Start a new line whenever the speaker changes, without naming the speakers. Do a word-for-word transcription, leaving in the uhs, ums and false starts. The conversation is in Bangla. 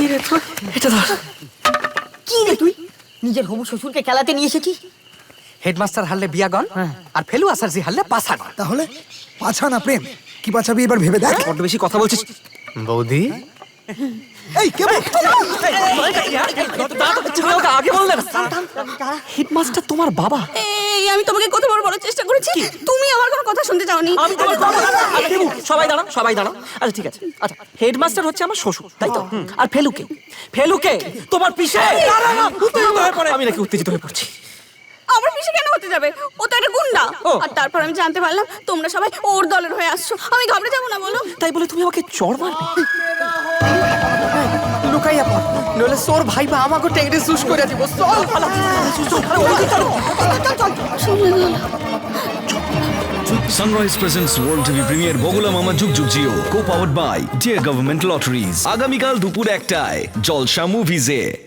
রে তুই এটা ধর।
কি রে তুই নিজের হবু শ্বশুরকে খেলাতে নিয়ে এসেছিস?
হেডমাস্টার হারলে বিয়াগন আর ফেলু আসারজি হারলে পাছান।
তাহলে পাছা না প্রেম, কি বাঁচাবি এবার ভেবে দেখ।
বড্ড বেশি কথা বলছিস বৌদি।
এই কেবল
তুমি ওকে আগে বললে না। হেডমাস্টার তোমার বাবা।
এই আমি তোমাকে কতবার বলার চেষ্টা করেছি, তুমি আমার কোনো কথা শুনতে চাওনি।
আমি তোমার বাবা। আরে দেবু, সবাই দাঁড়াও সবাই দাঁড়াও। আচ্ছা ঠিক আছে, আচ্ছা হেডমাস্টার হচ্ছে আমার শ্বশুর তাই তো? আর ফেলুকে ফেলুকে তোমার পিছে আমি নাকি উত্তেজিত হয়ে পড়ছি।
আমার পিছে কেন হতে যাবে? ও তো একটা গুন্ডা।
ও।
আর তারপর আমি জানতে পারলাম তোমরা সবাই ওর দলের হয়ে আসছো। আমি ঘাবড়ে যাবো না বলো?
তাই বলে তুমি আমাকে চড় মারবে? লুকাইয়া পড়, নইলে সোর ভাইবা আমাকে টেংরে সুস করে দিব। চল পালা,
Sunrise presents World TV premiere Bogula Mama যুগ যুগ Jio, co-powered by Dear Government Lotteries, আগামীকাল দুপুর একটায় জলসা মুভিজে।